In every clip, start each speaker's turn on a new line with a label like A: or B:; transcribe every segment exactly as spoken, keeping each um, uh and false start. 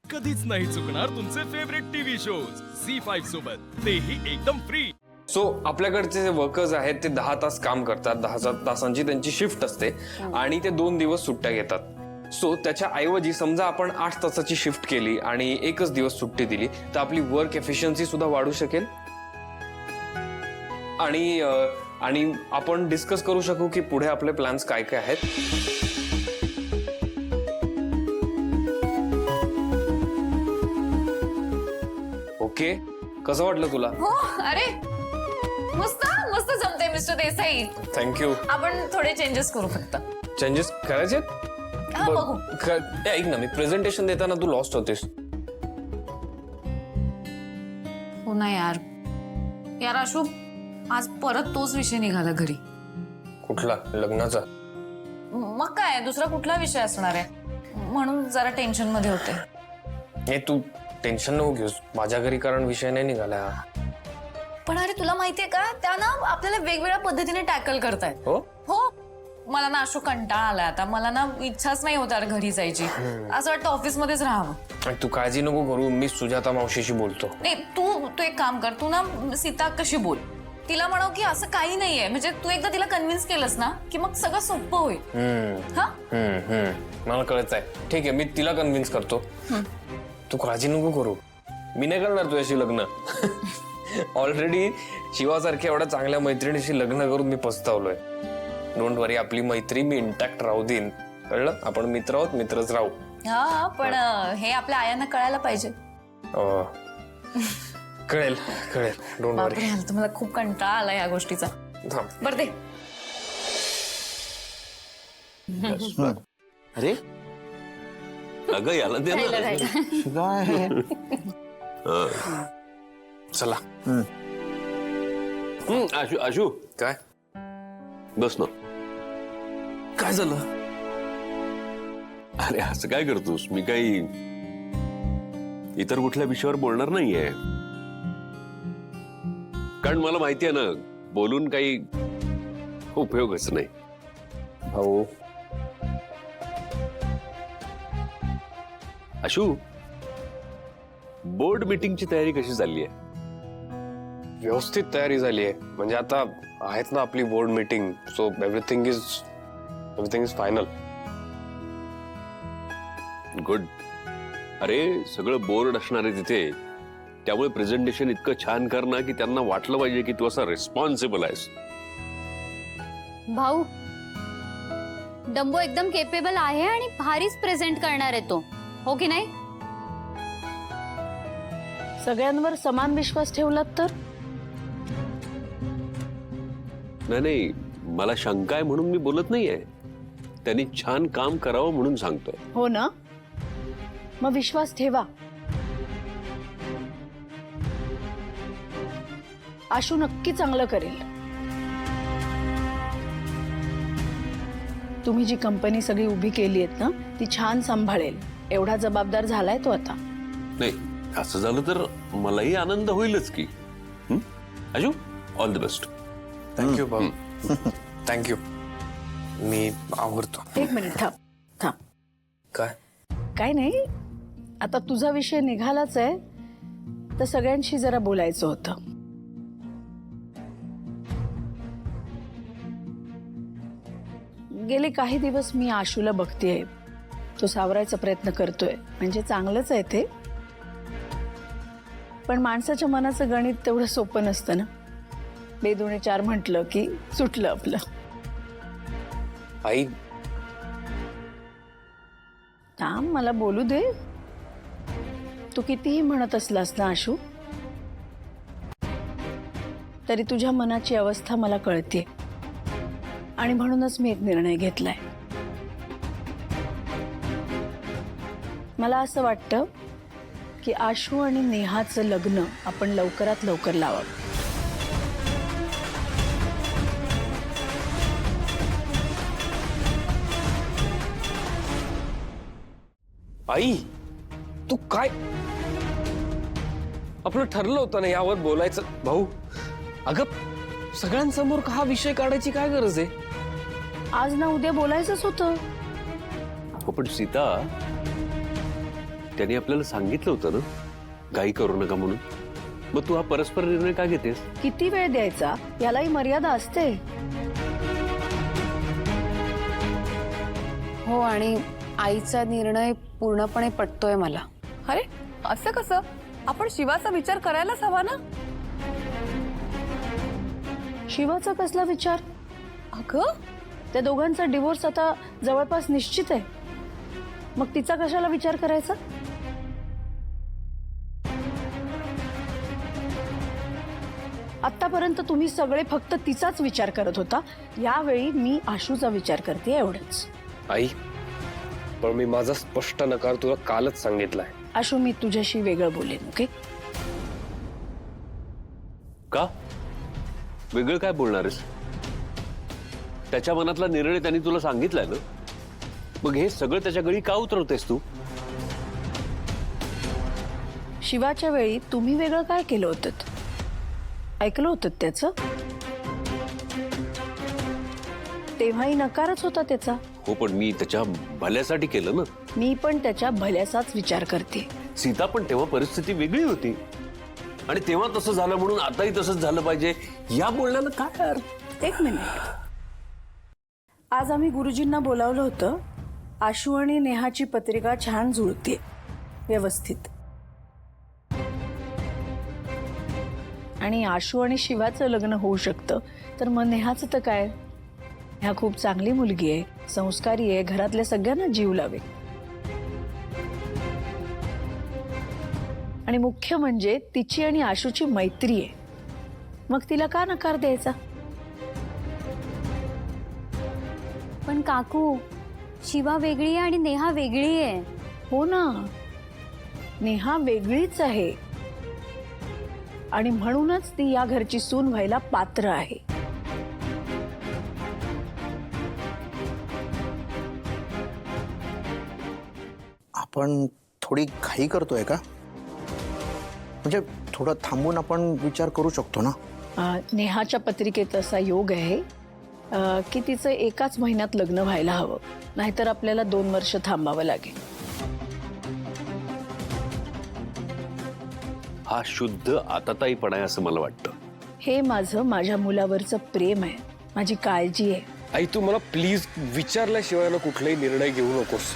A: कधीच नाही चुकणार तुमचे favourite TV shows C five सोबत, तेही एकदम फ्री।
B: सो so, आपल्याकडचे जे वर्कर्स आहेत ते दहा तास काम करतात, दहा तासांची त्यांची शिफ्ट असते आणि ते दोन दिवस सुट्ट्या घेतात। सो so, त्याच्या ऐवजी समजा आपण आठ तासाची शिफ्ट केली आणि एकच दिवस सुट्टी दिली तर आपली वर्क एफिशियन्सी सुद्धा वाढू शकेल आणि आणि आपण डिस्कस करू शकू की पुढे आपले प्लॅन्स काय काय आहेत। ओके, कसं वाटलं तुला?
C: हो, अरे मस्त मस्त जमते मिस्टर देसाई।
B: थँक्यू।
C: आपण थोडे चेंजेस करू फक्त।
B: चेंजेस करायचे?
C: हा, बघू।
B: ऐक ना, मी प्रेझेंटेशन देताना तू लॉस्ट होतेस।
C: हो ना यार, यार आशू, आज परत तोच विषय निघाला घरी।
B: कुठला? लग्नाचा?
C: मग काय, दुसरा कुठला विषय असणार आहे? म्हणून जरा टेन्शन मध्ये होते।
B: हे तू टेन्शन नको घेऊस, माझ्या घरी कारण विषय नाही निघाला।
C: पण अरे तुला माहितीये का, त्या ना आपल्याला वेगवेगळ्या पद्धतीने टॅकल करतायत।
B: हो
C: हो, मला ना आशू कंटाळा आलाय आता, मला ना इच्छाच नाही होत घरी जायची, असं वाटतं ऑफिस मध्येच राहावं।
B: तू काळजी नको करू, मी सुजाता मावशीशी बोलतो।
C: नाही, तू तू एक काम कर, तू ना सीता कशी बोल, तिला म्हणाव की असं काही नाहीये, म्हणजे तू एकदा तिला कन्व्हिन्स केलंस ना की मग सगळं सोपं होईल। हा,
B: हम्म हम्म मला कळत आहे। ठीक आहे, मी तिला कन्व्हिन्स करतो। तू काळजी नको करू, मी नाही करणार तुझ्याशी लग्न। ऑलरेडी शिवासारख्या एवढ्या चांगल्या मैत्रिणीशी लग्न करून मी पस्तावलोय। डोंट वरी, आपली मैत्री मी इंटॅक्ट राहू देईन, कळलं? आपण मित्र आहोत, मित्रच राहू।
C: हा, पण हे आपल्या आयांना कळायला पाहिजे।
B: कळेल कळेल, डोंट वरी।
C: बापरे, मला खूप कंटाळा आला या गोष्टीचा। बरं दे।
D: अरे अगं याला दे ना।
B: चला।
D: हम्म, आशू आशू
B: काय?
D: बस ना।
B: काय झालं?
D: अरे असं काय करतोस? मी काही इतर कुठल्या विषयावर बोलणार नाहीये, कारण मला माहिती आहे ना, बोलून काही उपयोगच नाही।
B: भाऊ
D: आशू, बोर्ड मीटिंगची तयारी कशी चालली आहे?
B: व्यवस्थित तयारी झाली आहे, म्हणजे आता आहेत ना आपली board meeting, so everything is everything is final.
D: Good. अरे सगळं बोर्ड असणार आहे तिथे, त्यामुळे प्रेझेंटेशन इतकं छान कर ना की त्यांना वाटलं पाहिजे की तू असा रिस्पॉन्सिबल आहेस।
E: भाऊ, डंबो एकदम केपेबल आहे आणि भारीच प्रेझेंट करणार आहे तो, हो की नाही?
F: सगळ्यांवर समान विश्वास ठेवलात तर?
D: नाही नाही, मला शंका आहे म्हणून मी बोलत नाहीये, त्यांनी छान काम करावं म्हणून सांगतोय।
F: हो ना, मग विश्वास ठेवा। आशू नक्की चांगलं करेल। तुम्ही जी कंपनी सगळी उभी केली आहेत ना, ती छान सांभाळेल, एवढा जबाबदार झालाय तो आता।
D: नाही, असं झालं तर मलाही आनंद होईलच की। हं? Ashu, all the best.
B: Thank you भाऊ, थँक्यू। मी आवडतो।
F: एक मिनिट थांब थांब।
B: काय?
F: काय नाही, आता तुझा विषय निघालाच आहे तर सगळ्यांशी जरा बोलायचं होतं। गेले काही दिवस मी आशूला बघतेय, तो सावरायचा प्रयत्न करतोय, म्हणजे चांगलंच आहे ते, पण माणसाच्या मनाचं गणित तेवढं सोपं नसतं ना। बेदुणे चार म्हटलं की सुटलं आपलं।
B: आई,
F: थांब, मला बोलू दे। तू कितीही म्हणत असलास ना आशू, तरी तुझ्या मनाची अवस्था मला कळते, आणि म्हणूनच मी एक निर्णय घेतलाय। मला असं वाटतं की आशू आणि नेहाचं लग्न आपण लवकरात लवकर लावावं।
B: आई, तू काय? आपलं ठरलं होतं ना यावर बोलायचं। भाऊ, अगं सगळ्यांसमोर हा विषय काढायची काय गरज आहे?
F: आज ना उद्या बोलायचंच होतं।
D: हो, पण सीता, त्याने आपल्याला सांगितलं होतं ना घाई करू नका म्हणून. मग तू हा परस्पर निर्णय का घेतेस?
F: किती वेळ द्यायचा यालाही मर्यादा असते.
G: हो, आणि आईचा निर्णय पूर्णपणे पटतोय मला.
H: अरे असं कसं? आपण शिवाचा विचार करायलाच हवा ना.
F: शिवाचा कसला विचार?
H: अगं
F: त्या दोघांचा डिवोर्स आता जवळपास निश्चित आहे. मग तिचा कशाला विचार करायचा? आतापर्यंत तुम्ही सगळे फक्त तिचाच विचार करत होता. यावेळी मी आशूचा विचार करते, एवढंच.
B: आई, पण मी माझा स्पष्ट नकार तुला कालच सांगितलाय.
F: आशू, मी तुझ्याशी वेगळं बोलेन, ओके?
D: का वेगळं काय बोलणार आहेस? त्याच्या मनातला निर्णय त्यांनी तुला सांगितलाय ना, मग हे सगळं त्याच्या गळी का उतरवतेस तू?
F: शिवाच्या वेळी तुम्ही वेगळं काय केलं होतं? ऐकलं होतं त्याचं? तेव्हाही नकारच होता त्याचा.
D: हो, पण मी त्याच्या भल्यासाठी केलं ना.
F: मी पण त्याच्या भल्याचाच विचार करते.
D: सीता पण तेव्हा परिस्थिती वेगळी होती आणि तेव्हा तसं झालं म्हणून आताही तसंच झालं पाहिजे या बोलण्याला काय अर्थ?
F: एक मिनिट. आज आम्ही गुरुजींना बोलावलं होतं. आशू आणि नेहाची पत्रिका छान जुळते, व्यवस्थित. आणि आशू आणि शिवाचं लग्न होऊ शकतं, तर मग नेहाचं तर काय? ह्या खूप चांगली मुलगी आहे, संस्कारी आहे, घरातल्या सगळ्यांना जीव लावे. आणि मुख्य म्हणजे तिची आणि आशूची मैत्री आहे. मग तिला का नकार द्यायचा?
E: पण काकू, शिवा वेगळी आहे आणि नेहा वेगळी आहे.
F: हो ना, नेहा वेगळीच आहे आणि म्हणूनच ती या घरची सून व्हायला पात्र आहे.
I: आपण थोडी घाई करतोय का? म्हणजे थोडं थांबून आपण विचार करू शकतो ना.
F: अं, नेहाच्या पत्रिकेत असा योग आहे अं, की तिचं एकाच महिन्यात लग्न व्हायला हवं, नाहीतर आपल्याला दोन वर्ष थांबावं लागेल.
D: हा शुद्ध आताताईपणा आहे असं मला वाटतं.
F: हे माझं माझ्या मुलावरचं प्रेम आहे, माझी काळजी आहे.
B: आई, तू मला प्लीज विचारल्याशिवाय ना कुठलाही निर्णय घेऊ नकोस.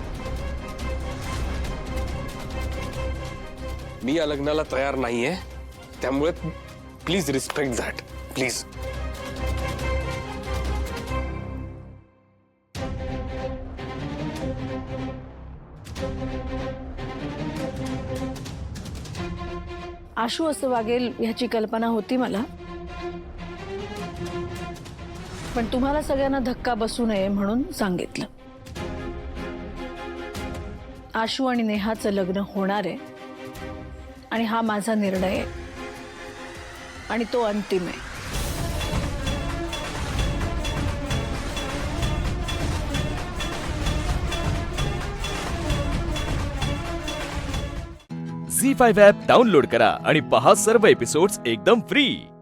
B: मी या लग्नाला तयार नाहीये, त्यामुळे please respect that, please.
F: Ashu असं वागेल ह्याची कल्पना होती मला, पण तुम्हाला सगळ्यांना धक्का बसू नये म्हणून सांगितलं. आशू आणि नेहाचं लग्न होणार आहे आणि हा माझा निर्णय आहे आणि तो अंतिम आहे.
A: झी फाईव्ह ॲप डाउनलोड करा आणि पहा सर्व एपिसोड्स एकदम फ्री.